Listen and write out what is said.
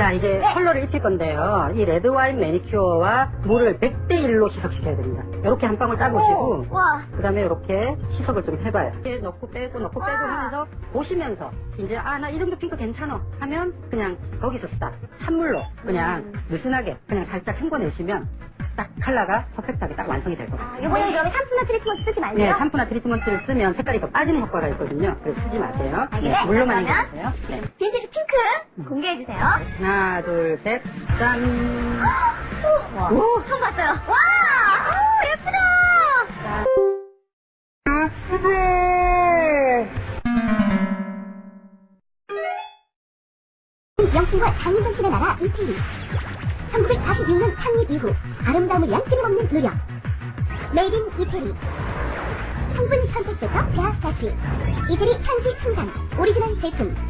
자, 이제 네. 컬러를 입힐 건데요. 이 레드와인 매니큐어와 물을 100대 1로 희석시켜야 됩니다. 이렇게 한 방울 따보시고, 와. 그 다음에 이렇게 희석을 좀 해봐요. 이렇게 넣고 빼고 넣고 빼고 와. 하면서 보시면서, 이제, 아, 나 이 정도 핑크 괜찮아. 하면 그냥 거기서 스탑. 찬물로 그냥 느슨하게 그냥 살짝 헹궈내시면 딱 컬러가 퍼펙트하게 딱 완성이 될 겁니다. 이번에 그러면 샴푸나 트리트먼트 쓰지 말고요? 네, 샴푸나 트리트먼트를 쓰면 색깔이 더 빠지는 효과가 있거든요. 그래서 쓰지 마세요. 아, 네, 그래? 물로만 그러면 헹궈주세요. 네. 빈티지 핑크 공개해주세요. 하나, 둘, 셋, 짠! 와. 오! 처음 봤어요. 와! 오, 예쁘다! 명칭과 장인정신의 나라 이태리. 1946년 창립 이후 아름다움을 위한 끊임없는 노력. 메이드 인 이태리. 성분 선택부터 대학까지 이태리 현지 생산 오리지널 제품